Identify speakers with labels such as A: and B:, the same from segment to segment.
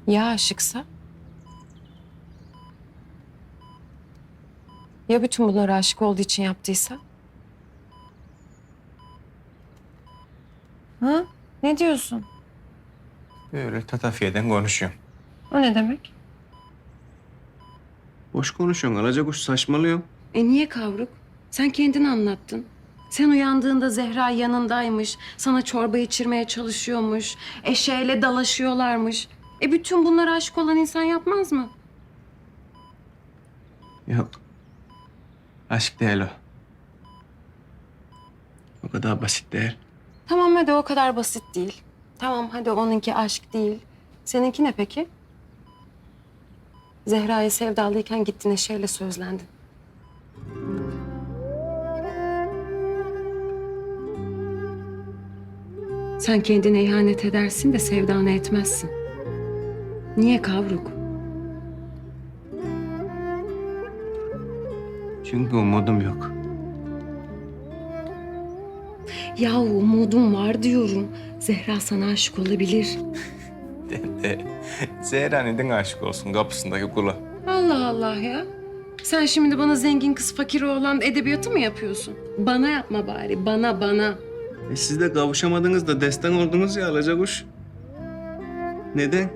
A: Ya aşıksa? Ya bütün bunları aşık olduğu için yaptıysa? Ha? Ne diyorsun?
B: Böyle tatafiyeden konuşuyorum.
A: O ne demek?
B: Boş konuşuyorsun alacakuş saçmalıyorsun.
A: Niye kavruk? Sen kendin anlattın. Sen uyandığında Zehra yanındaymış. Sana çorba içirmeye çalışıyormuş. Eşeğiyle dalaşıyorlarmış. Bütün bunlara aşık olan insan yapmaz mı?
B: Yok. Aşk değil o. O kadar basit değil.
A: Tamam hadi o kadar basit değil. Tamam hadi onunki aşk değil. Seninki ne peki? Zehra'ya sevdalıyken gittin eşeğiyle sözlendin. Sen kendine ihanet edersin de sevdana etmezsin. Niye kavruk?
B: Çünkü umudum yok.
A: Ya umudum var diyorum. Zehra sana aşık olabilir.
B: Zehra neden aşık olsun kapısındaki kula?
A: Allah Allah ya. Sen şimdi bana zengin kız fakir oğlan edebiyatı mı yapıyorsun? Bana yapma bari, bana.
B: Siz de kavuşamadınız da destan oldunuz ya alacakuş. Neden?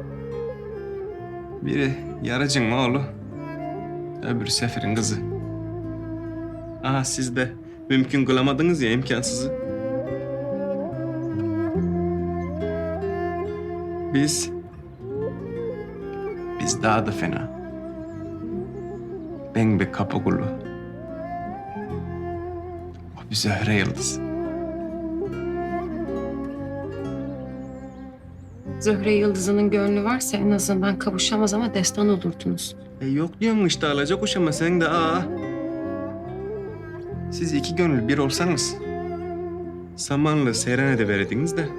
B: Biri yarıcın oğlu, öbürü Sefer'in kızı. Aha siz de mümkün kılamadınız ya imkansızı. Biz daha da fena. Ben bir kapı kulu. O bir Zöhre Yıldız.
A: Zöhre Yıldızı'nın gönlü varsa en azından kavuşamaz ama destan olurdunuz.
B: Yok diyorsun işte alacakuş ama sen de Siz iki gönül bir olsanız Samanlı Seyran'a da verdiniz de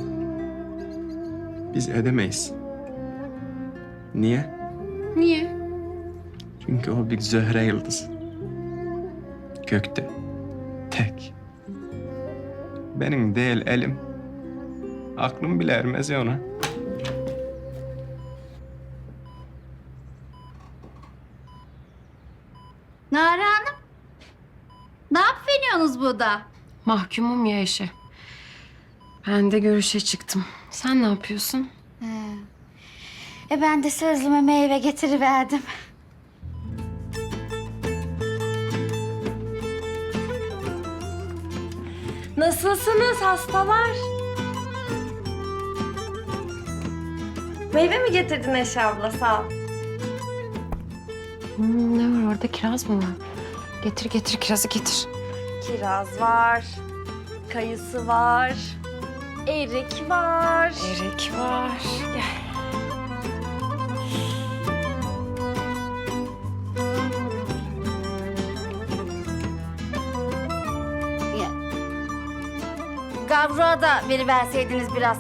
B: biz edemeyiz. Niye?
A: Niye?
B: Çünkü o bir Zöhre Yıldız. Gökte. Tek. Benim değil elim. Aklım bile ermez ya ona.
C: Nare Hanım, ne yapıyorsunuz burada?
A: Mahkumum ya eşe. Ben de görüşe çıktım. Sen ne yapıyorsun?
C: Ben de sözlüme meyve getiriverdim.
D: Nasılsınız hastalar? Meyve mi getirdin Eşe abla? Sağ ol.
A: Ne var orada? Kiraz mı var? Getir kirazı getir.
D: Kiraz var, kayısı var, erik var.
A: Erik var. Gel.
C: Gavruğa da veriverseydiniz biraz.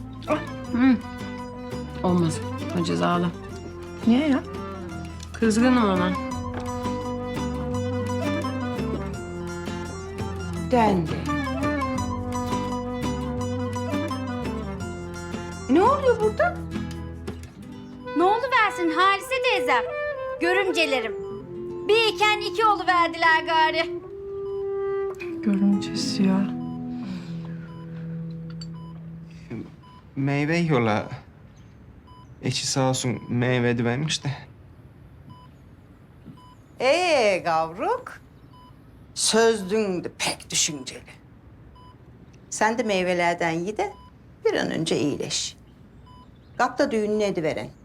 A: Olmaz. O cezalı.
D: Niye ya?
A: Kızgınım ona. Döndü.
C: Ne oluyor burada? Ne oluversin Halise teyzem? Görümcelerim. Bir iken iki oluverdiler gari.
D: Görümcesi ya.
B: Meyve yola. Eşi sağ olsun meyve vermiş de.
E: Gavruk. Sözlün de pek düşünceli. Sen de meyvelerden ye de bir an önce iyileş. Kap da düğününü ediveren.